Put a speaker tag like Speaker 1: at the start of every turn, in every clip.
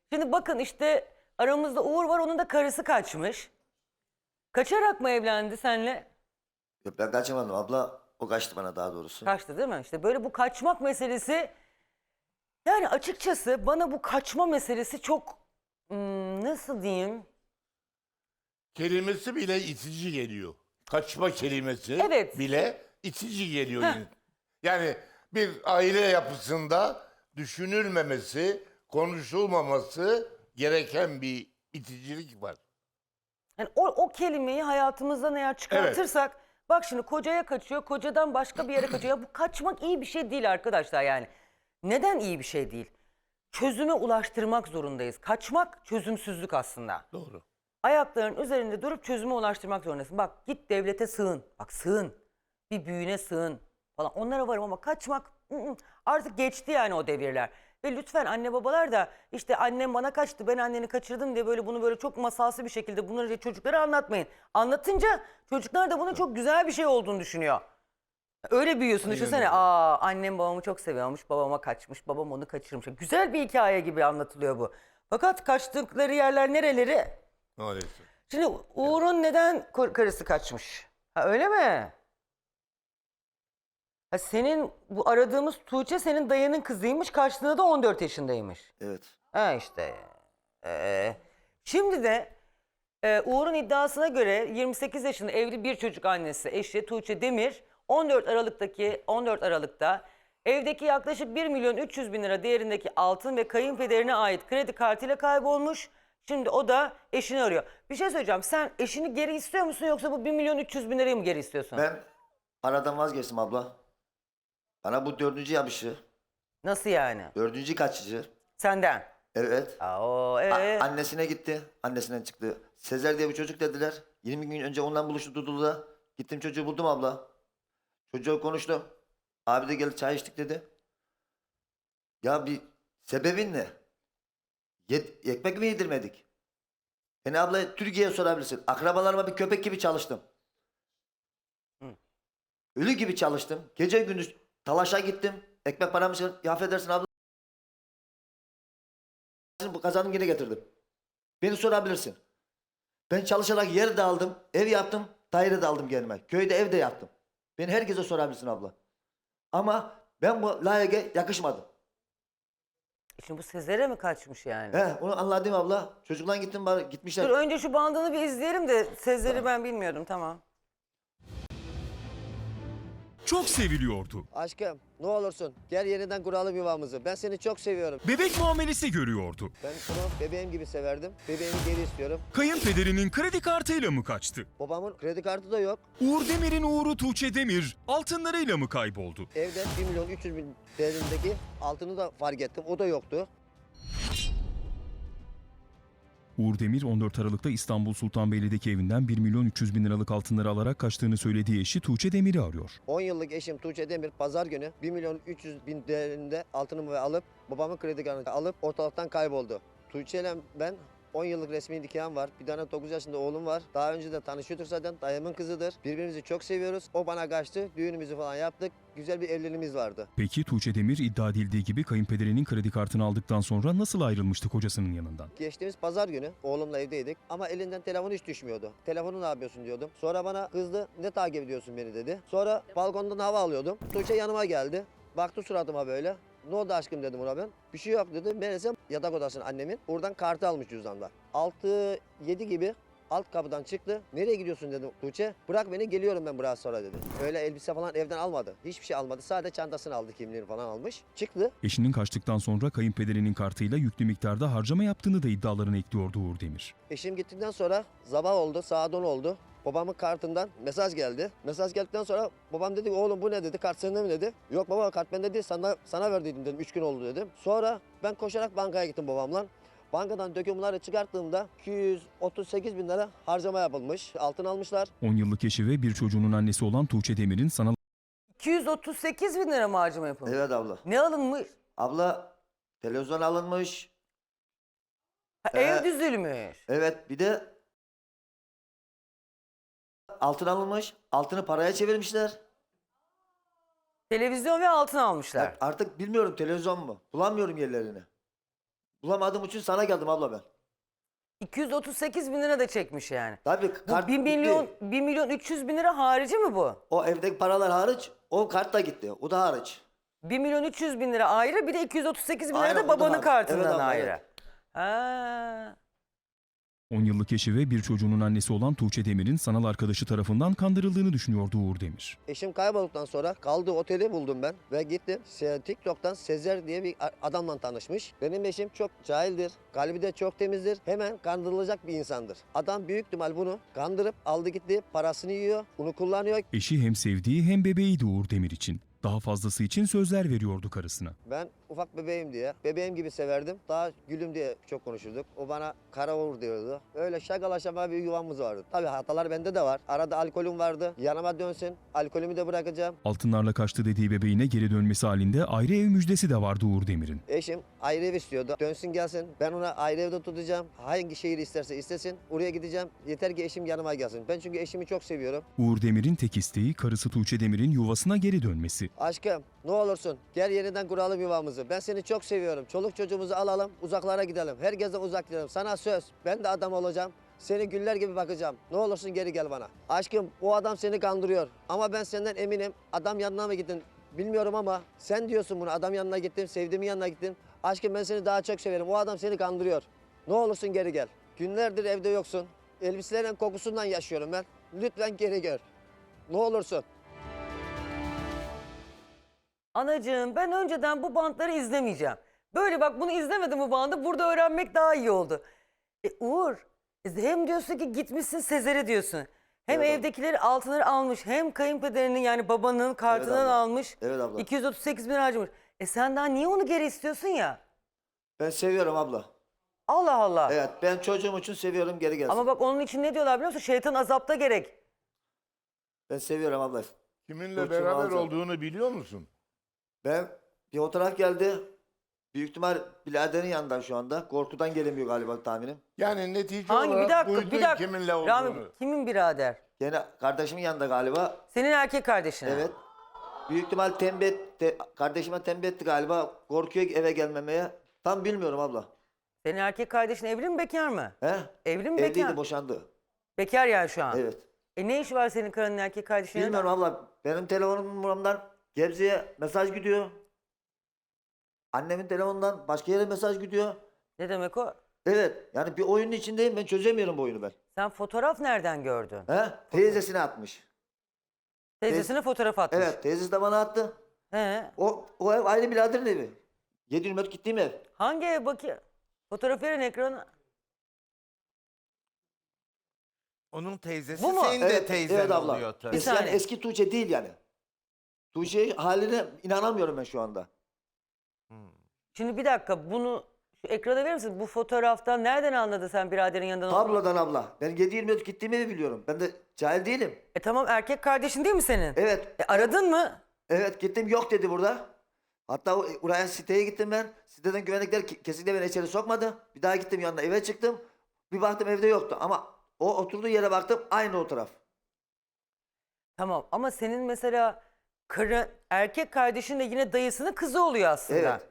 Speaker 1: Şimdi bakın işte aramızda Uğur var, onun da karısı kaçmış. Kaçarak mı evlendi senle?
Speaker 2: Yok, ben kaçamadım abla. O kaçtı bana daha doğrusu.
Speaker 1: Kaçtı değil mi? İşte böyle bu kaçmak meselesi, yani açıkçası bana bu kaçma meselesi çok nasıl diyeyim?
Speaker 3: Kelimesi bile itici geliyor. Kaçma kelimesi
Speaker 1: Evet.
Speaker 3: bile itici geliyor.
Speaker 1: Heh.
Speaker 3: Yani bir aile yapısında düşünülmemesi, konuşulmaması gereken bir iticilik var.
Speaker 1: Yani o kelimeyi hayatımızdan eğer çıkartırsak, bak şimdi kocaya kaçıyor, kocadan başka bir yere kaçıyor. Ya bu kaçmak iyi bir şey değil arkadaşlar yani. Neden iyi bir şey değil? Çözüme ulaştırmak zorundayız. Kaçmak çözümsüzlük aslında.
Speaker 3: Doğru.
Speaker 1: Ayakların üzerinde durup çözüme ulaştırmak zorundasın. Bak git devlete sığın. Bak sığın. Bir büyüğüne sığın falan. Onlara varım ama kaçmak artık geçti yani o devirler. Ve lütfen anne babalar da işte annem bana kaçtı, ben anneni kaçırdım diye böyle bunu böyle çok masalsı bir şekilde bunları çocuklara anlatmayın. Anlatınca çocuklar da bunun çok güzel bir şey olduğunu düşünüyor. Öyle büyüyorsun, düşünsene.
Speaker 3: öyle.
Speaker 1: Aa, annem babamı çok seviyormuş, babama kaçmış, babam onu kaçırmış. Güzel bir hikaye gibi anlatılıyor bu. Fakat kaçtıkları yerler nereleri?
Speaker 3: Maalesef.
Speaker 1: Şimdi Uğur'un neden karısı kaçmış? Ha, öyle mi? Ha, senin bu aradığımız Tuğçe senin dayının kızıymış, karşılığında da 14 yaşındaymış.
Speaker 2: Evet.
Speaker 1: Ha işte. Şimdi de Uğur'un iddiasına göre 28 yaşında evli bir çocuk annesi eşi Tuğçe Demir 14 Aralık'ta evdeki yaklaşık 1.300.000 lira değerindeki altın ve kayınpederine ait kredi kartıyla kaybolmuş. Şimdi o da eşini arıyor. Bir şey söyleyeceğim. Sen eşini geri istiyor musun yoksa bu 1.300.000 lirayı mı geri istiyorsun?
Speaker 2: Ben paradan vazgeçtim abla. Bana bu dördüncü yapışı.
Speaker 1: Nasıl yani?
Speaker 2: Dördüncü kaçıcı.
Speaker 1: Senden.
Speaker 2: Evet.
Speaker 1: Aa,
Speaker 2: Annesine gitti. Annesinden çıktı. Sezer diye bir çocuk dediler. 20 gün önce ondan buluştu Dudullu'da. Gittim çocuğu buldum abla. Çocuğu konuştu. Abi de gelip çay içtik dedi. Ya bir sebebin ne? Ekmek mi yedirmedik? Yani abla Türkiye'ye sorabilirsin. Akrabalarıma bir köpek gibi çalıştım. Ölü gibi çalıştım. Gece gündüz talaşa gittim. Ekmek paramı ya affedersin abla. Bu kazandım yine getirdim. Beni sorabilirsin. Ben çalışarak yer de aldım, ev yaptım, daire de aldım kendime. Köyde ev de yaptım. Beni herkese sorabilirsin abla. Ama ben bu layığa yakışmadım.
Speaker 1: Şimdi bu Sezer'e mi kaçmış yani?
Speaker 2: He, onu anladım abla. Çocuklar gittim bari gitmişler.
Speaker 1: Dur önce şu bandını bir izleyelim de Sezer'i ben bilmiyordum, tamam.
Speaker 4: Çok seviliyordu.
Speaker 5: Aşkım ne olursun gel yeniden kuralım yuvamızı. Ben seni çok seviyorum.
Speaker 4: Bebek muamelesi görüyordu.
Speaker 5: Ben bunu bebeğim gibi severdim. Bebeğimi geri istiyorum.
Speaker 4: Kayınpederinin kredi kartıyla mı kaçtı?
Speaker 5: Babamın kredi kartı da yok.
Speaker 4: Uğur Demir'in uğuru Tuğçe Demir altınlarıyla mı kayboldu?
Speaker 5: Evde 1.300.000 değerindeki altını da fark ettim. O da yoktu.
Speaker 4: Uğur Demir 14 Aralık'ta İstanbul Sultanbeyli'deki evinden 1.300.000 liralık altınları alarak kaçtığını söylediği eşi Tuğçe Demir'i arıyor.
Speaker 5: 10 yıllık eşim Tuğçe Demir pazar günü 1.300.000 değerinde altınımı alıp babamın kredi kartını alıp ortalıktan kayboldu. Tuğçe ile ben 10 yıllık resmi nikahım var. Bir tane 9 yaşında oğlum var. Daha önce de tanışıyorduk zaten. Dayımın kızıdır. Birbirimizi çok seviyoruz. O bana kaçtı. Düğünümüzü falan yaptık. Güzel bir evliliğimiz vardı.
Speaker 4: Peki Tuğçe Demir iddia edildiği gibi kayınpederinin kredi kartını aldıktan sonra nasıl ayrılmıştı kocasının yanından?
Speaker 5: Geçtiğimiz pazar günü oğlumla evdeydik ama elinden telefonu hiç düşmüyordu. Telefonu ne yapıyorsun diyordum. Sonra bana kızdı, ne takip ediyorsun beni dedi. Sonra balkondan hava alıyordum. Tuğçe yanıma geldi. Baktı suratıma böyle. Ne oldu aşkım dedim ona ben. Bir şey yok dedi. Meğerse yatak odasının annemin. Oradan kartı almış cüzdanda. 6-7 gibi alt kapıdan çıktı. Nereye gidiyorsun dedim Tuğçe. Bırak beni geliyorum ben biraz sonra dedi. Öyle elbise falan evden almadı. Hiçbir şey almadı. Sadece çantasını aldı, kimliğini falan almış. Çıktı.
Speaker 4: Eşinin kaçtıktan sonra kayınpederinin kartıyla yüklü miktarda harcama yaptığını da iddialarına ekliyordu Uğur Demir.
Speaker 5: Eşim gittikten sonra sabah oldu, saat 10 oldu. Babamın kartından mesaj geldi. Mesaj geldikten sonra babam dedi oğlum bu ne dedi, kart sende mi dedi. Yok baba kart bende değil, sana verdiydim dedim, 3 gün oldu dedim. Sonra ben koşarak bankaya gittim babamla. Bankadan dökümleri çıkarttığımda 238.000 lira harcama yapılmış. Altın almışlar.
Speaker 4: 10 yıllık eşi ve bir çocuğunun annesi olan Tuğçe Demir'in sanal
Speaker 1: 238.000 lira mı harcama yapılmış?
Speaker 2: Evet abla.
Speaker 1: Ne alınmış?
Speaker 2: Abla televizyon alınmış.
Speaker 1: Ha, ev düzülmüş.
Speaker 2: Evet bir de altın alınmış. Altını paraya çevirmişler.
Speaker 1: Televizyon ve altın almışlar.
Speaker 2: Artık bilmiyorum televizyon mu? Bulamıyorum yerlerini. Bulamadığım için sana geldim abla ben.
Speaker 1: 238 bin lira da çekmiş yani.
Speaker 2: Tabii
Speaker 1: Bu
Speaker 2: kart
Speaker 1: 1 milyon,
Speaker 2: gitti.
Speaker 1: 1 milyon 300 bin lira harici mi bu?
Speaker 2: O evdeki paralar hariç, o kart da gitti. O da hariç.
Speaker 1: 1 milyon 300 bin lira ayrı, bir de 238 bin lira
Speaker 2: Aynen,
Speaker 1: da
Speaker 2: o da
Speaker 1: babanın
Speaker 2: hariç.
Speaker 1: kartından
Speaker 2: Evet abla,
Speaker 1: ayrı.
Speaker 2: evet.
Speaker 1: Ha.
Speaker 4: 10 yıllık eşi ve bir çocuğunun annesi olan Tuğçe Demir'in sanal arkadaşı tarafından kandırıldığını düşünüyordu Uğur Demir.
Speaker 5: Eşim kaybolduktan sonra kaldığı oteli buldum ben ve gittim. TikTok'tan Sezer diye bir adamla tanışmış. Benim eşim çok cahildir, kalbi de çok temizdir. Hemen kandırılacak bir insandır. Adam büyük ihtimal bunu kandırıp aldı gitti, parasını yiyor, bunu kullanıyor.
Speaker 4: Eşi hem sevdiği hem bebeğiydi Uğur Demir için. Daha fazlası için sözler veriyordu karısına.
Speaker 5: Ben ufak bebeğim diye, bebeğim gibi severdim. Daha gülüm diye çok konuşurduk. O bana kara Uğur diyordu. Öyle şakalaşama bir yuvamız vardı. Tabii hatalar bende de var. Arada alkolüm vardı. Yanıma dönsün, alkolümü de bırakacağım.
Speaker 4: Altınlarla kaçtı dediği bebeğine geri dönmesi halinde ayrı ev müjdesi de vardı Uğur Demir'in.
Speaker 5: Eşim ayrı ev istiyordu. Dönsün gelsin. Ben ona ayrı evde tutacağım. Hangi şehir isterse istesin. Oraya gideceğim. Yeter ki eşim yanıma gelsin. Ben çünkü eşimi çok seviyorum.
Speaker 4: Uğur Demir'in tek isteği karısı Tuğçe Demir'in yuvasına geri dönmesi.
Speaker 5: Aşkım ne olursun gel yeniden kuralım yuvamızı. Ben seni çok seviyorum. Çoluk çocuğumuzu alalım, uzaklara gidelim. Herkese uzak gidelim. Sana söz. Ben de adam olacağım. Seni güller gibi bakacağım. Ne olursun geri gel bana. Aşkım o adam seni kandırıyor. Ama ben senden eminim. Adam yanına mı gittin bilmiyorum ama sen diyorsun bunu. Adam yanına gittim, sevdiğimin yanına gittim. Aşkım ben seni daha çok severim. O adam seni kandırıyor. Ne olursun geri gel. Günlerdir evde yoksun. Elbiselerin kokusundan yaşıyorum ben. Lütfen geri gel. Ne olursun.
Speaker 1: Anacığım, ben önceden bu bantları izlemeyeceğim. Böyle bak, bunu izlemedim bu bandı. Burada öğrenmek daha iyi oldu. Uğur, hem diyorsun ki gitmişsin Sezer'e diyorsun. Hem
Speaker 2: Evet abla.
Speaker 1: evdekileri altınları almış, hem kayınpederinin yani babanın kartından
Speaker 2: abla.
Speaker 1: almış.
Speaker 2: Evet abla.
Speaker 1: 238 bin harcamış. Sen daha niye onu geri istiyorsun ya?
Speaker 2: Ben seviyorum abla.
Speaker 1: Allah Allah.
Speaker 2: Evet, ben çocuğum için seviyorum, geri gelsin.
Speaker 1: Ama bak onun için ne diyorlar biliyor musun? Şeytan azapta gerek.
Speaker 2: Ben seviyorum abla.
Speaker 3: Kiminle
Speaker 2: Burçin
Speaker 3: beraber
Speaker 2: alacağım.
Speaker 3: olduğunu biliyor musun?
Speaker 2: Ben bir fotoğraf geldi. Büyük ihtimal biraderin yanından şu anda. Korkudan gelemiyor galiba tahminim.
Speaker 3: Yani netice
Speaker 1: Hangi? Bir
Speaker 3: olarak
Speaker 1: dakika,
Speaker 3: duydun
Speaker 1: bir dakika.
Speaker 3: kiminle olduğunu.
Speaker 1: Rami, kimin birader?
Speaker 2: Gene kardeşimin yanında galiba.
Speaker 1: Senin erkek kardeşine.
Speaker 2: Evet. Büyük ihtimal kardeşime tembih etti galiba. Korkuyor eve gelmemeye. Tam bilmiyorum abla.
Speaker 1: Senin erkek kardeşin evli mi, bekar mı?
Speaker 2: He?
Speaker 1: Evli mi, bekar
Speaker 2: Evliydi,
Speaker 1: mı?
Speaker 2: boşandı.
Speaker 1: Bekar yani şu an.
Speaker 2: Evet.
Speaker 1: Ne işi var senin karının erkek kardeşinin?
Speaker 2: Bilmiyorum abla. Benim telefonumdan Gebze'ye mesaj gidiyor. Annemin telefonundan başka yere mesaj gidiyor.
Speaker 1: Ne demek o?
Speaker 2: Evet. Yani bir oyunun içindeyim. Ben çözemiyorum bu oyunu ben.
Speaker 1: Sen fotoğraf nereden gördün?
Speaker 2: He? Teyzesine atmış.
Speaker 1: Teyzesine fotoğraf atmış.
Speaker 2: Evet. Teyzesi de bana attı.
Speaker 1: He.
Speaker 2: O ev aynı biraderin evi. 7/24 gittiğim ev.
Speaker 1: Hangi ev bakayım? Fotoğraf verin ekrana.
Speaker 6: Onun teyzesi
Speaker 1: Bu mu?
Speaker 6: senin de
Speaker 2: Evet,
Speaker 6: teyzen
Speaker 2: evet abla.
Speaker 6: oluyor tabii.
Speaker 1: Bir saniye.
Speaker 2: Eski Tuğçe değil yani. Tuğçe haline inanamıyorum ben şu anda.
Speaker 1: Şimdi bir dakika, bunu şu ekrana verir misin? Bu fotoğraftan nereden anladın sen biraderin yanından olduğunu?
Speaker 2: Tablodan abla. Ben 7/24 gittiğim evi biliyorum. Ben de cahil değilim.
Speaker 1: Tamam, erkek kardeşin değil mi senin?
Speaker 2: Evet.
Speaker 1: Aradın mı?
Speaker 2: Evet gittim, yok dedi burada. Hatta oraya siteye gittim ben. Siteden güvenlikler kesinlikle beni içeri sokmadı. Bir daha gittim yanına, eve çıktım. Bir baktım evde yoktu ama o oturduğu yere baktım, aynı o taraf.
Speaker 1: Tamam, ama senin mesela erkek kardeşin de yine dayısının kızı oluyor aslında.
Speaker 2: Evet.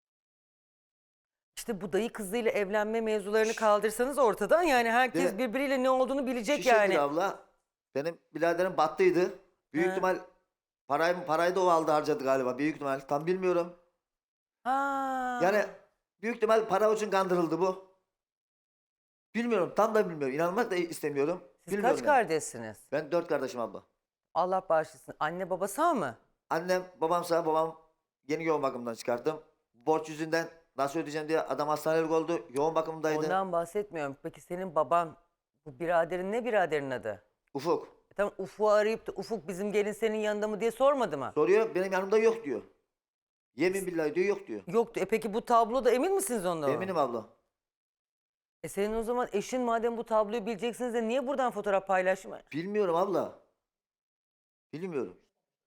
Speaker 1: İşte bu dayı kızıyla evlenme mevzularını kaldırsanız ortadan, yani herkes
Speaker 2: Değil mi?
Speaker 1: birbiriyle ne olduğunu bilecek
Speaker 2: Şu
Speaker 1: yani.
Speaker 2: şekilde abla, benim biraderim battıydı. Büyük
Speaker 1: He.
Speaker 2: ihtimal parayı da o aldı, harcadı galiba. Büyük ihtimal, tam bilmiyorum.
Speaker 1: Ha.
Speaker 2: Yani büyük ihtimal para için kandırıldı bu. Bilmiyorum, tam da bilmiyorum. İnanmak da istemiyorum.
Speaker 1: Siz
Speaker 2: Bilmiyorum
Speaker 1: kaç
Speaker 2: yani.
Speaker 1: kardeşsiniz?
Speaker 2: Ben 4 kardeşim abla.
Speaker 1: Allah bağışlasın. Anne baba sağ mı?
Speaker 2: Annem, babam sağ, babam yeni yoğun bakımdan çıkarttım. Borç yüzünden nasıl ödeyeceğim diye adam hastanelik oldu. Yoğun bakımdaydı.
Speaker 1: Ondan bahsetmiyorum. Peki senin baban, bu biraderin ne, biraderin adı?
Speaker 2: Ufuk.
Speaker 1: Tamam, Ufuk'u arayıp da Ufuk bizim gelin senin yanında mı diye sormadı mı?
Speaker 2: Soruyor, benim yanımda yok diyor. Yemin billahi diyor, yok diyor.
Speaker 1: Yoktu. Peki bu tabloda emin misiniz ondan?
Speaker 2: Eminim abla.
Speaker 1: Senin o zaman eşin, madem bu tabloyu bileceksiniz de niye buradan fotoğraf paylaşmıyor?
Speaker 2: Bilmiyorum abla. Bilmiyorum.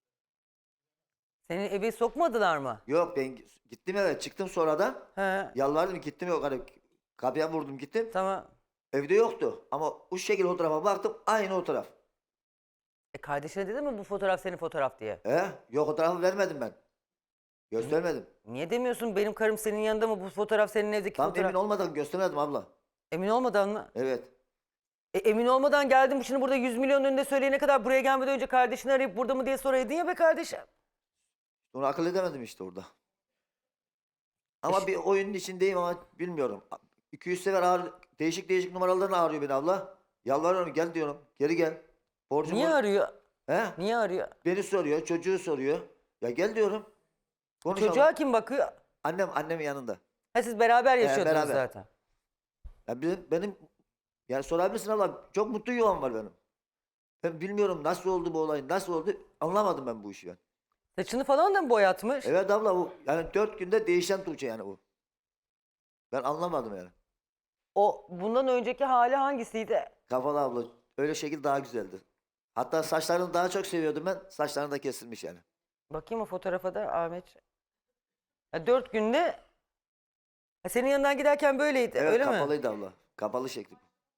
Speaker 1: Seni eve sokmadılar mı?
Speaker 2: Yok, ben gittim eve, çıktım sonradan.
Speaker 1: He.
Speaker 2: Yalvardım, gittim, yok hani kapıya vurdum, gittim.
Speaker 1: Tamam.
Speaker 2: Evde yoktu ama o şekilde o tarafa baktım, aynı o taraf.
Speaker 1: Kardeşine dedi mi bu fotoğraf senin fotoğraf diye?
Speaker 2: Yok, o tarafı vermedim ben. Göstermedim.
Speaker 1: Niye demiyorsun benim karım senin yanında mı? Bu fotoğraf senin evdeki
Speaker 2: Tam
Speaker 1: fotoğraf.
Speaker 2: emin olmadan göstermedim abla.
Speaker 1: Emin olmadan mı?
Speaker 2: Evet.
Speaker 1: Emin olmadan geldim şimdi burada 100 milyon önünde söyleyene kadar buraya gelmeden önce kardeşini arayıp burada mı diye soraydın ya be kardeşim.
Speaker 2: Onu akıl edemedim işte orada. Ama bir oyunun içindeyim ama bilmiyorum. 200 sefer değişik değişik numaralardan arıyor beni abla. Yalvarıyorum gel diyorum. Geri gel. Borcum
Speaker 1: Niye
Speaker 2: var.
Speaker 1: arıyor?
Speaker 2: He?
Speaker 1: Niye arıyor?
Speaker 2: Beni soruyor, çocuğu soruyor. Ya gel diyorum. Konuşalım.
Speaker 1: Çocuğa kim bakıyor?
Speaker 2: Annemin yanında.
Speaker 1: Ha siz beraber yaşıyordunuz
Speaker 2: beraber.
Speaker 1: zaten.
Speaker 2: Ya benim yani sorabilirsin abla çok mutlu yuvam var benim. Ben bilmiyorum nasıl oldu bu olay, nasıl oldu anlamadım ben bu işi ben.
Speaker 1: Saçını falan da mı boyatmış?
Speaker 2: Evet abla bu yani 4 günde değişen Tuğçe yani bu. Ben anlamadım yani.
Speaker 1: O bundan önceki hali hangisiydi?
Speaker 2: Kafalı abla öyle şekil daha güzeldi. Hatta saçlarını daha çok seviyordum ben. Saçlarını da kesilmiş yani.
Speaker 1: Bakayım o fotoğrafa da Ahmet. 4 günde senin yanından giderken böyleydi
Speaker 2: Evet
Speaker 1: öyle mi?
Speaker 2: kapalıydı abla. Kapalı şekli.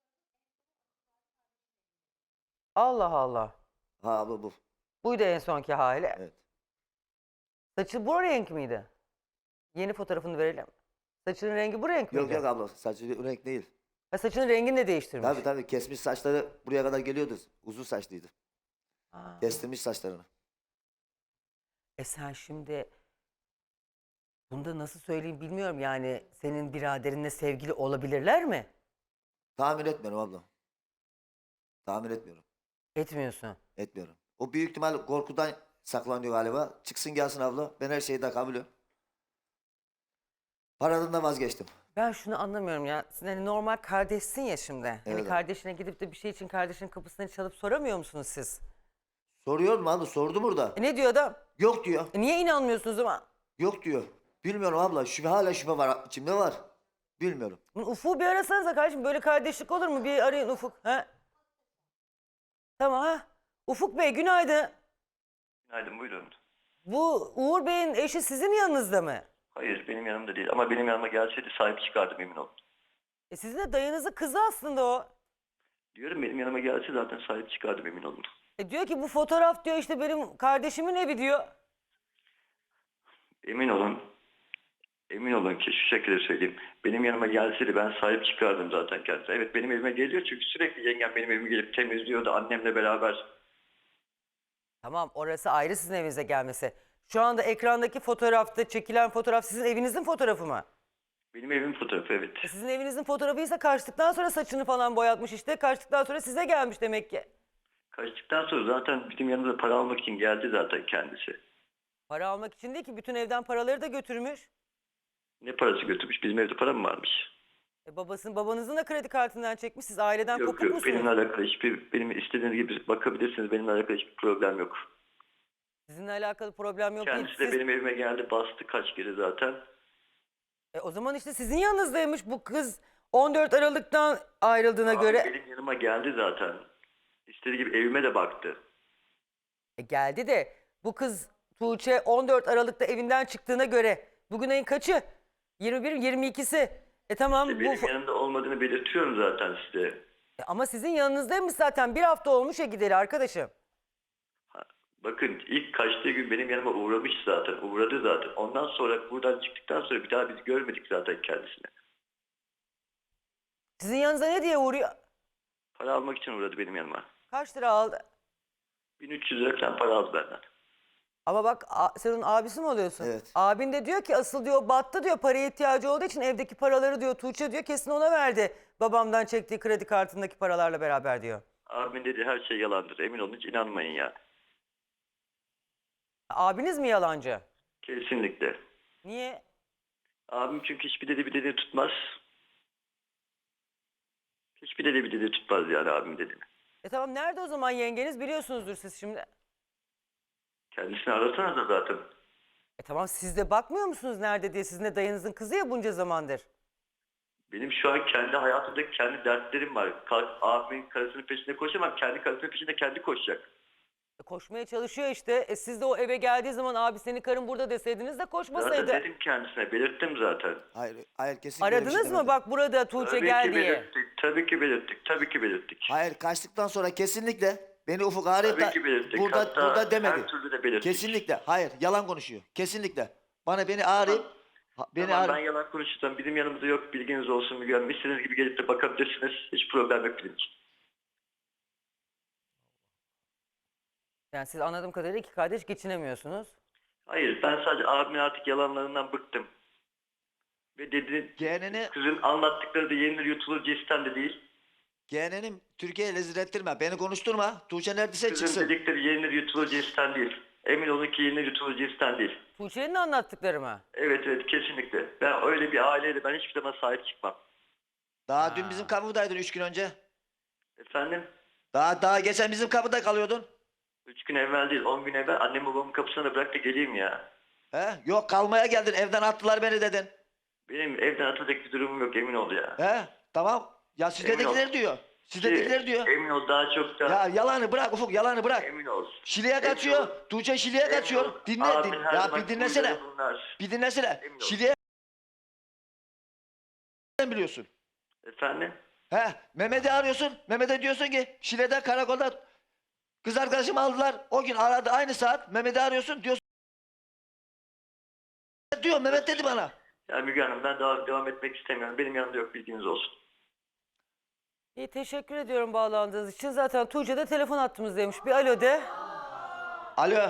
Speaker 1: Allah Allah.
Speaker 2: Ha abla bu.
Speaker 1: Buydu en sonki hali.
Speaker 2: Evet.
Speaker 1: Saçı bu renk miydi? Yeni fotoğrafını verelim. Saçının rengi bu renk miydi?
Speaker 2: Yok yok abla saçı renk değil.
Speaker 1: Ha, saçının rengini de değiştirmiş.
Speaker 2: Tabii kesmiş saçları buraya kadar geliyordu. Uzun saçlıydı.
Speaker 1: Ha.
Speaker 2: Kestirmiş saçlarını.
Speaker 1: Sen şimdi bunda nasıl söyleyeyim bilmiyorum yani senin biraderinle sevgili olabilirler mi?
Speaker 2: Tahmin etmiyorum abla. Tahmin etmiyorum.
Speaker 1: Etmiyorsun.
Speaker 2: Etmiyorum. O büyük ihtimal korkudan saklanıyor galiba. Çıksın gelsin abla. Ben her şeyi de kabulüm. Paradan da vazgeçtim.
Speaker 1: Ben şunu anlamıyorum ya. Sen hani normal kardeşsin ya şimdi. Hani
Speaker 2: Evet.
Speaker 1: kardeşine gidip de bir şey için kardeşinin kapısını çalıp soramıyor musunuz siz?
Speaker 2: Soruyor mu abla? Sordu burada.
Speaker 1: Ne diyor adam?
Speaker 2: Yok diyor.
Speaker 1: Niye inanmıyorsunuz ama?
Speaker 2: Yok diyor. Bilmiyorum abla. Hala şüphe var. İçimde var. Bilmiyorum.
Speaker 1: Ufuk'u bir arasanıza kardeşim. Böyle kardeşlik olur mu? Bir arayın Ufuk. Ha? Tamam ha. Ufuk Bey günaydın.
Speaker 7: Günaydın, buyurun.
Speaker 1: Bu Uğur Bey'in eşi sizin yanınızda mı?
Speaker 7: Hayır, benim yanımda değil ama benim yanıma gelseydi sahip çıkardım, emin olun.
Speaker 1: Sizin de dayınızın kızı aslında o.
Speaker 7: Diyorum benim yanıma gelse zaten sahip çıkardım, emin olun.
Speaker 1: Diyor ki bu fotoğraf diyor işte benim kardeşimin evi diyor.
Speaker 7: Emin olun. Emin olun ki şu şekilde söyleyeyim. Benim yanıma gelseydi ben sahip çıkardım zaten kendisine. Evet benim evime geliyor çünkü sürekli yengem benim evime gelip temizliyordu annemle beraber.
Speaker 1: Tamam orası ayrı sizin evinize gelmesi. Şu anda ekrandaki fotoğrafta çekilen fotoğraf sizin evinizin fotoğrafı mı?
Speaker 7: Benim evimin fotoğrafı, evet.
Speaker 1: Sizin evinizin fotoğrafıysa kaçtıktan sonra saçını falan boyatmış işte. Kaçtıktan sonra size gelmiş demek ki.
Speaker 7: Kaçtıktan sonra zaten bizim yanımıza para almak için geldi zaten kendisi.
Speaker 1: Para almak için değil ki bütün evden paraları da götürmüş.
Speaker 7: Ne parası götürmüş? Bizim evde para mı varmış?
Speaker 1: Babanızın da kredi kartından çekmiş. Siz aileden
Speaker 7: Yok
Speaker 1: kopuk
Speaker 7: yok,
Speaker 1: musunuz?
Speaker 7: benimle alakalı benim istediğiniz gibi bakabilirsiniz. Benimle alakalı hiçbir problem yok.
Speaker 1: Sizinle alakalı problem yok değil.
Speaker 7: Kendisi de benim evime geldi, bastı kaç kere zaten.
Speaker 1: O zaman işte sizin yanınızdaymış bu kız 14 Aralık'tan ayrıldığına
Speaker 7: Abi
Speaker 1: göre.
Speaker 7: benim yanıma geldi zaten. İstediği gibi evime de baktı.
Speaker 1: Geldi de bu kız Tuğçe 14 Aralık'ta evinden çıktığına göre bugün ayın kaçı? 21 22'si. Tamam
Speaker 7: İşte
Speaker 1: bu
Speaker 7: benim yanımda olmadığını belirtiyorum zaten size.
Speaker 1: ama sizin yanınızdaymış zaten. Bir hafta olmuş ya gideli arkadaşım.
Speaker 7: Bakın ilk kaçtığı gün benim yanıma uğramış zaten. Uğradı zaten. Ondan sonra buradan çıktıktan sonra bir daha biz görmedik zaten kendisini.
Speaker 1: Sizin yanınıza ne diye uğruyor?
Speaker 7: Para almak için uğradı benim yanıma.
Speaker 1: Kaç lira aldı?
Speaker 7: 1300 lira falan para aldı benden.
Speaker 1: Ama bak sen onun abisi mi oluyorsun?
Speaker 2: Evet.
Speaker 1: Abin de diyor ki asıl diyor battı diyor paraya ihtiyacı olduğu için evdeki paraları diyor Tuğçe diyor kesin ona verdi. Babamdan çektiği kredi kartındaki paralarla beraber diyor.
Speaker 7: Abimin dediği her şey yalandır. Emin olun hiç inanmayın yani.
Speaker 1: Abiniz mi yalancı?
Speaker 7: Kesinlikle.
Speaker 1: Niye?
Speaker 7: Abim çünkü hiçbir dediği tutmaz. Hiçbir dediği tutmaz yani abim dediğini.
Speaker 1: Tamam nerede o zaman yengeniz biliyorsunuzdur siz şimdi.
Speaker 7: Kendisini arasana da zaten.
Speaker 1: Tamam siz de bakmıyor musunuz nerede diye sizin de dayınızın kızı ya bunca zamandır.
Speaker 7: Benim şu an kendi hayatımda kendi dertlerim var. Abimin karısının peşinde koşamam. Kendi karısının peşinde kendi koşacak.
Speaker 1: Koşmaya çalışıyor işte. Siz de o eve geldiği zaman abi senin karın burada deseydiniz de koşmasaydı.
Speaker 7: Zaten dedim kendisine. Belirttim zaten.
Speaker 2: Hayır kesinlikle öyle bir şey
Speaker 1: Aradınız mı
Speaker 2: demedim.
Speaker 1: bak burada Tuğçe
Speaker 7: Tabii
Speaker 1: gel
Speaker 7: ki
Speaker 1: diye.
Speaker 7: belirttik. Tabii ki belirttik. Tabii ki belirttik.
Speaker 2: Hayır kaçtıktan sonra kesinlikle beni Ufuk arayıp
Speaker 7: Tabii
Speaker 2: da
Speaker 7: ki belirttik.
Speaker 2: burada
Speaker 7: Hatta
Speaker 2: demedi.
Speaker 7: her türlü de belirttik.
Speaker 2: Kesinlikle. Hayır yalan konuşuyor. Kesinlikle.
Speaker 5: Beni arayıp
Speaker 7: Tamam, ben yalan konuşacağım. Bizim yanımızda yok, bilginiz olsun Müge Hanım. İstediğiniz gibi gelip de bakabilirsiniz. Hiç problem yok benim için.
Speaker 1: Yani siz anladığım kadarıyla iki kardeş geçinemiyorsunuz.
Speaker 7: Hayır, ben sadece abimin artık yalanlarından bıktım. Ve dedi,
Speaker 5: Yeğenini,
Speaker 7: kızın anlattıkları da yenilir yutulur cinsten de değil.
Speaker 5: yeğeninim Türkiye'ye rezil ettirme. Beni konuşturma. Tuğçe neredeyse
Speaker 7: Kızın
Speaker 5: çıksın.
Speaker 7: dedikleri yenilir yutulur cinsten değil. Emin olun ki yenilir yutulur cinsten değil.
Speaker 1: Tuğçe'nin anlattıkları mı?
Speaker 7: Evet, kesinlikle. Ben öyle bir aileyle ben hiçbir zaman sahip çıkmam.
Speaker 5: Daha dün bizim kapıdaydın 3 gün önce.
Speaker 7: Efendim?
Speaker 5: Daha geçen bizim kapıda kalıyordun.
Speaker 7: 3 gün evvel değil, 10 gün evvel annem babamın kapısına da bırak da geleyim ya.
Speaker 5: He? Yok kalmaya geldin. Evden attılar beni dedin.
Speaker 7: Benim evden atacak bir durumum yok, emin ol ya.
Speaker 5: He? Tamam. Ya sizdekiler diyor. Sizdekiler diyor.
Speaker 7: Emin ol, daha çok da.
Speaker 5: Ya yalanı bırak Ufuk, yalanı bırak.
Speaker 7: Emin ol.
Speaker 5: Şile'ye
Speaker 7: Emin
Speaker 5: kaçıyor.
Speaker 7: ol.
Speaker 5: Tuğçe Şile'ye
Speaker 7: Emin
Speaker 5: kaçıyor.
Speaker 7: ol.
Speaker 5: Dinle.
Speaker 7: Abin her
Speaker 5: Ya
Speaker 7: zaman
Speaker 5: bir dinlesene.
Speaker 7: huyları bunlar.
Speaker 5: Bir dinlesene.
Speaker 7: Emin ol.
Speaker 5: Şile'ye biliyorsun.
Speaker 7: Efendim?
Speaker 5: He? Mehmet'i arıyorsun. Mehmet'e diyorsun ki Şile'de karakolda kız arkadaşımı aldılar. O gün aradı aynı saat. Mehmet'i arıyorsun diyorsun. Diyor Mehmet dedi bana.
Speaker 7: Ya Müge Hanım, ben daha devam etmek istemiyorum. Benim yanımda yok, bilginiz olsun.
Speaker 1: İyi, teşekkür ediyorum bağlandığınız için. Zaten Tuğçe de telefon attığımızdaymış. Bir alo de.
Speaker 5: Alo.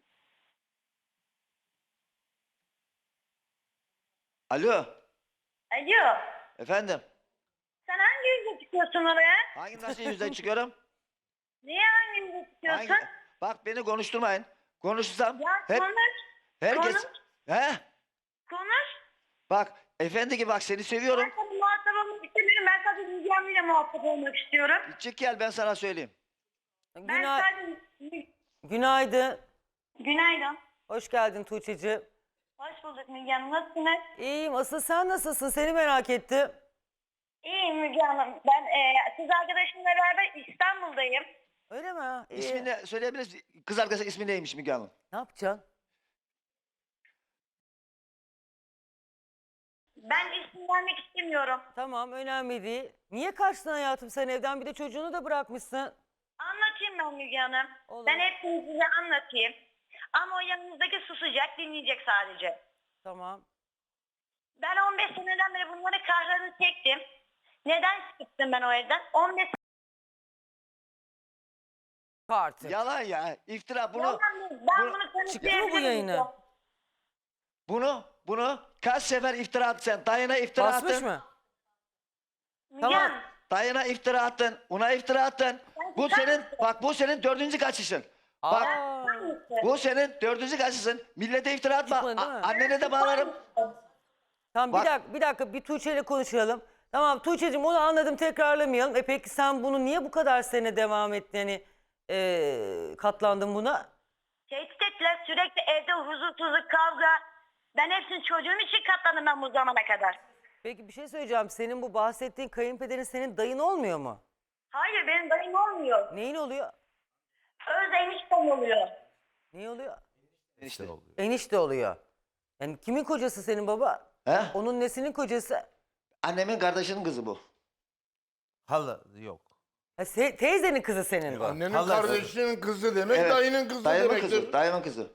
Speaker 5: Alo.
Speaker 8: Alo.
Speaker 5: Efendim.
Speaker 8: Sen hangi yüzle çıkıyorsun oraya?
Speaker 5: Hangi nasıl yüzden çıkıyorum?
Speaker 8: Niye hangi yüzle çıkıyorsun?
Speaker 5: Bak beni konuşturmayın. Konuşursam
Speaker 8: Ya
Speaker 5: hep
Speaker 8: konuş.
Speaker 5: herkes
Speaker 8: konuş.
Speaker 5: he?
Speaker 8: Konuş.
Speaker 5: Bak efendi gibi bak seni seviyorum.
Speaker 8: Ben sana muhatap olmak istemiyorum. Ben sadece Müge Hanım'la muhatap olmak istiyorum.
Speaker 5: Çık gel ben sana söyleyeyim.
Speaker 8: Ben sadece...
Speaker 1: Günaydın.
Speaker 8: Günaydın.
Speaker 1: Hoş geldin Tuğçe'ciğim.
Speaker 8: Hoş bulduk Müge Hanım. Nasılsınız?
Speaker 1: İyiyim. Asıl sen nasılsın? Seni merak ettim.
Speaker 8: İyiyim Müge Hanım. Ben kız arkadaşımla beraber İstanbul'dayım.
Speaker 1: Öyle mi? İyi.
Speaker 5: İsmini söyleyebilir misin? Kız arkadaşı ismi neymiş Müge Hanım?
Speaker 1: Ne yapacaksın?
Speaker 8: Ben isim vermek istemiyorum.
Speaker 1: Tamam, önemli değil. Niye kaçtın hayatım sen evden? Bir de çocuğunu da bırakmışsın.
Speaker 8: Anlatayım ben Müge Hanım.
Speaker 1: Olur.
Speaker 8: Ben hepsini size anlatayım. Ama o yanınızdaki susacak, dinleyecek sadece.
Speaker 1: Tamam.
Speaker 8: Ben 15 seneden beri bunları kahrını çektim. Neden çıktım ben o evden? 15
Speaker 1: Artık.
Speaker 5: Yalan ya. İftira bunu.
Speaker 8: Yalan değil. Ben
Speaker 5: bunu-
Speaker 8: bunu
Speaker 1: Çıktı mı bu
Speaker 8: kanıtlayabilirim.
Speaker 1: yayına?
Speaker 5: Bunu kaç sefer iftira attın sen? Dayına iftira
Speaker 1: Basmış
Speaker 5: attın.
Speaker 1: mı?
Speaker 8: Müge
Speaker 1: Tamam.
Speaker 8: Hanım,
Speaker 5: Dayına iftira attın. Ona iftira attın. Bu senin bak bu senin 4. kaçışın. Bak
Speaker 1: Aa,
Speaker 5: bu senin 4. kaçışın. Millete iftira atma.
Speaker 1: Çıkmadı değil mi?
Speaker 5: Annene de bağlarım.
Speaker 1: tamam
Speaker 5: Bak-
Speaker 1: bir dakika bir Tuğçe ile konuşalım. Tamam Tuğçe'cim onu anladım, tekrarlamayalım. Peki sen bunu niye bu kadar sene devam ettin? Yani katlandın buna?
Speaker 8: tehdit ettiler sürekli evde huzursuzluk, kavga. Ben hepsini çocuğum için katlandım ben bu zamana kadar.
Speaker 1: Peki bir şey söyleyeceğim. Senin bu bahsettiğin kayınpederin senin dayın olmuyor mu?
Speaker 8: Hayır benim dayım olmuyor.
Speaker 1: Neyin oluyor?
Speaker 8: Öz eniştem oluyor.
Speaker 1: Ne oluyor?
Speaker 5: İşte.
Speaker 1: Enişte oluyor. Yani kimin kocası senin baba?
Speaker 5: He?
Speaker 1: Onun nesinin kocası?
Speaker 5: Annemin kardeşinin kızı bu.
Speaker 6: Hala yok.
Speaker 1: Ha, teyzenin kızı senin bu.
Speaker 3: Annenin
Speaker 6: Halası.
Speaker 3: kardeşinin kızı demek,
Speaker 5: Evet.
Speaker 3: dayının kızı
Speaker 5: Dayımın
Speaker 3: demektir.
Speaker 5: kızı. Dayımın kızı.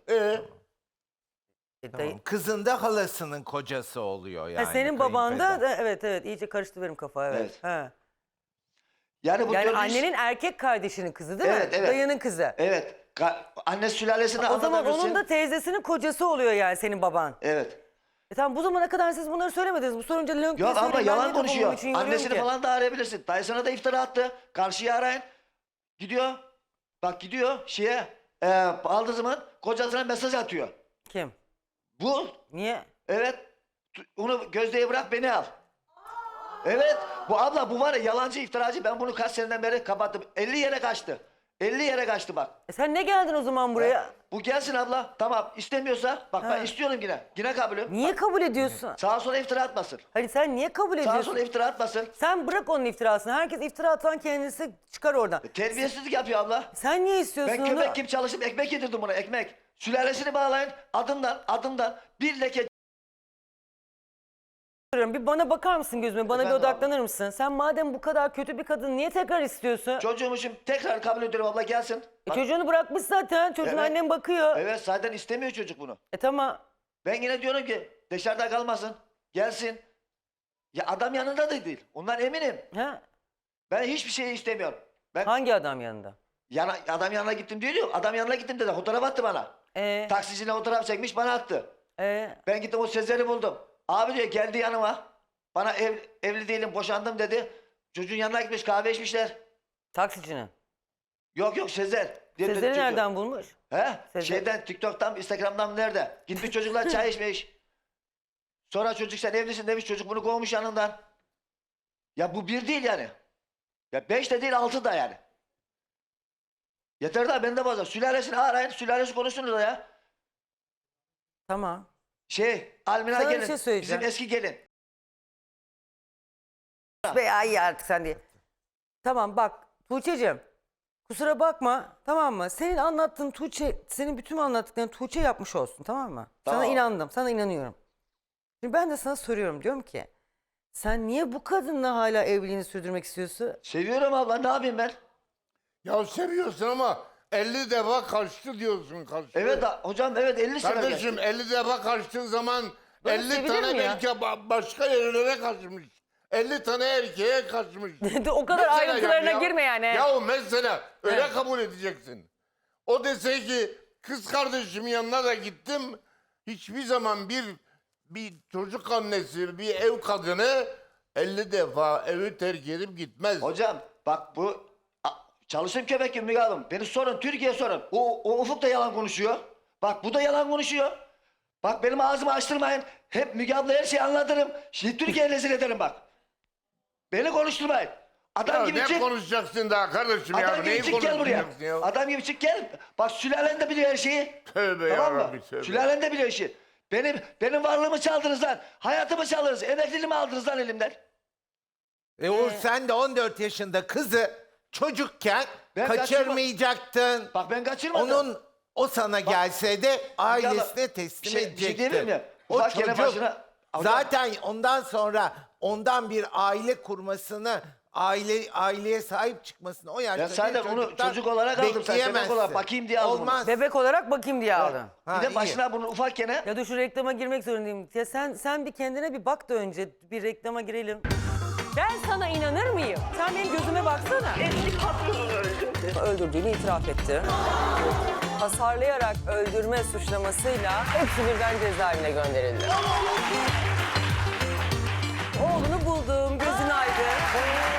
Speaker 1: Dayı-
Speaker 6: Kızın da halasının kocası oluyor yani.
Speaker 1: senin baban da
Speaker 6: kayınpeder.
Speaker 1: evet iyice karıştı benim kafa evet.
Speaker 5: Evet.
Speaker 1: Ha.
Speaker 5: Yani bu
Speaker 1: Yani
Speaker 5: gördüğünüz-
Speaker 1: annenin erkek kardeşinin kızı değil mi?
Speaker 5: Evet, evet.
Speaker 1: Dayının kızı.
Speaker 5: Evet. Anne sülalesini
Speaker 1: O zaman
Speaker 5: anlatabilirsin.
Speaker 1: onun da teyzesinin kocası oluyor yani senin baban.
Speaker 5: Evet.
Speaker 1: Tamam bu zamana kadar siz bunları söylemediniz. Bu sorunca lönk diye
Speaker 5: Yok ama
Speaker 1: söyleyeyim. Ben
Speaker 5: yalan
Speaker 1: niye kafamın
Speaker 5: konuşuyor.
Speaker 1: içini yoruyorum
Speaker 5: Annesini
Speaker 1: ki?
Speaker 5: falan da arayabilirsin. Dayısına da iftira attı. Karşıya arayın. Gidiyor. Bak gidiyor şeye. Aldığı zaman kocasına mesaj atıyor.
Speaker 1: Kim?
Speaker 5: Bu.
Speaker 1: Niye?
Speaker 5: Evet. Onu Gözde'ye bırak beni al. Evet. Bu abla bu var ya yalancı iftiracı. Ben bunu kaç seneden beri kapattım. 50 yere kaçtı. 50 yere kaçtı bak.
Speaker 1: Sen ne geldin o zaman buraya?
Speaker 5: Bu gelsin abla. Tamam istemiyorsa bak
Speaker 1: Ha.
Speaker 5: ben istiyorum yine. Yine kabulüm.
Speaker 1: Niye kabul ediyorsun?
Speaker 5: Sağa sola iftira atmasın.
Speaker 1: Hani sen niye kabul
Speaker 5: Sağa
Speaker 1: ediyorsun?
Speaker 5: sola iftira atmasın.
Speaker 1: Sen bırak onun iftirasını. Herkes iftira atan kendisi çıkar oradan.
Speaker 5: Terbiyesizlik yapıyor abla.
Speaker 1: Sen niye istiyorsun
Speaker 5: Ben
Speaker 1: onu?
Speaker 5: köpek gibi çalışıp ekmek yedirdim buna ekmek. Sülalesini bağlayın adımdan bir leke.
Speaker 1: Bir bana bakar mısın gözüme? Bana
Speaker 5: Efendim
Speaker 1: bir odaklanır mısın? Sen madem bu kadar kötü bir kadın niye tekrar istiyorsun?
Speaker 5: Çocuğumuşum tekrar kabul ediyorum abla gelsin. Bak,
Speaker 1: Çocuğunu bırakmış zaten. Çocuğun
Speaker 5: Evet.
Speaker 1: annem bakıyor.
Speaker 5: evet zaten istemiyor çocuk bunu.
Speaker 1: Tamam.
Speaker 2: Ben yine diyorum ki dışarıda kalmasın. Gelsin. Ya adam yanında da değil. Ondan eminim.
Speaker 1: Ha?
Speaker 2: Ben hiçbir şey istemiyorum. Ben
Speaker 1: Hangi adam yanında?
Speaker 2: adam yanına gittim diyor yok. Adam yanına gittim dedi. Fotoğraf attı bana. Taksicine fotoğraf çekmiş bana attı. Ben gittim o Sezer'i buldum. Abi diyor geldi yanıma. Bana evli değilim boşandım dedi. Çocuğun yanına gitmiş kahve içmişler.
Speaker 1: Taksicinin.
Speaker 2: Yok Sezer.
Speaker 1: Sezer'i nereden bulmuş?
Speaker 2: He?
Speaker 1: Sezer.
Speaker 2: Şeyden TikTok'tan Instagram'dan nerede? Gitmiş çocuklar çay içmiş. Sonra çocuk sen evlisin demiş çocuk bunu kovmuş yanından. Ya bu bir değil yani. Ya 5 de değil 6 da yani. Yeter daha bende bazen. Sülalesini arayın. Sülalesi konuşsunuz da ya.
Speaker 1: Tamam.
Speaker 2: Almina
Speaker 1: Sana bir
Speaker 2: gelin.
Speaker 1: şey söyleyeceğim.
Speaker 2: Bizim eski gelin.
Speaker 1: Be ay artık sen diye. Tamam bak Tuğçe'cim. Kusura bakma tamam mı? Senin anlattığın senin bütün anlattıklarını Tuğçe yapmış olsun tamam mı? Sana
Speaker 2: Tamam.
Speaker 1: inandım, sana inanıyorum. Şimdi ben de sana soruyorum diyorum ki sen niye bu kadınla hala evliliğini sürdürmek istiyorsun?
Speaker 2: Seviyorum abla ne yapayım ben?
Speaker 3: Ya seviyorsun ama 50 defa kaçtı diyorsun kaçtı.
Speaker 2: Evet hocam evet 50 sene
Speaker 3: Kardeşim
Speaker 2: geçti.
Speaker 3: 50 defa kaçtığın zaman
Speaker 1: Böyle
Speaker 3: 50
Speaker 1: sevilir
Speaker 3: tane
Speaker 1: mi ya?
Speaker 3: belki başka yerlere kaçmış. 50 tane erkeğe kaçmış.
Speaker 1: O kadar
Speaker 3: Mesela
Speaker 1: ayrıntılarına
Speaker 3: ya-
Speaker 1: girme yani.
Speaker 3: Ya mesela öyle
Speaker 1: Evet.
Speaker 3: kabul edeceksin. O dese ki kız kardeşimin yanına da gittim. Hiçbir zaman bir çocuk annesi, bir ev kadını 50 defa evi terk edip gitmez.
Speaker 2: Hocam bak bu çalıştığım köpek gibi Müge Hanım. Beni sorun Türkiye sorun. O Ufuk da yalan konuşuyor. Bak bu da yalan konuşuyor. Bak benim ağzımı açtırmayın. Hep Müge abla her şeyi anlatırım. Şimdi Türkiye'ye rezil ederim bak. Beni konuşturmayın. Adam
Speaker 3: Ya
Speaker 2: gibi
Speaker 3: ne
Speaker 2: çık.
Speaker 3: konuşacaksın daha kardeşim ya?
Speaker 2: Adam
Speaker 3: Neyi
Speaker 2: gibi çık gel buraya.
Speaker 3: konuşacaksın ya?
Speaker 2: Adam gibi çık gel. Bak sülalen de biliyor her şeyi.
Speaker 3: Tövbe
Speaker 2: Tamam mı?
Speaker 3: yarabbi tövbe.
Speaker 2: Sülalen de biliyor işi. Benim varlığımı çaldınız lan. Hayatımı çaldınız. Emekliliğimi aldınız lan elimden.
Speaker 6: Uğur sen de 14 yaşında kızı çocukken
Speaker 2: Ben
Speaker 6: kaçırmayacaktın.
Speaker 2: Bak ben kaçırmadım.
Speaker 6: O sana gelse de ailesine teslim
Speaker 2: bir şey
Speaker 6: edecektin.
Speaker 2: diyebilir miyim?
Speaker 6: O
Speaker 2: Ufak yere
Speaker 6: çocuk
Speaker 2: başına-
Speaker 6: zaten ondan sonra ondan bir aile kurmasını, aileye sahip çıkmasını o yaşta
Speaker 2: Ben sadece onu çocuk olarak aldım. Sen bebek olarak bakayım diye aldım onu.
Speaker 6: Olmaz.
Speaker 1: Bebek olarak bakayım diye aldın.
Speaker 6: Ha,
Speaker 2: Bir de
Speaker 6: iyi.
Speaker 2: başına bunu ufakken
Speaker 1: Ya dur şu reklama girmek zorundayım. Ya sen bir kendine bir bak da önce bir reklama girelim. Ben sana inanır mıyım? Sen benim gözüme baksana.
Speaker 8: Eski patronunu öldürdü.
Speaker 1: Öldürdüğünü itiraf etti. Hasarlayarak öldürme suçlamasıyla hepsi birden cezaevine gönderildi. Oğlunu buldum, gözün aydın.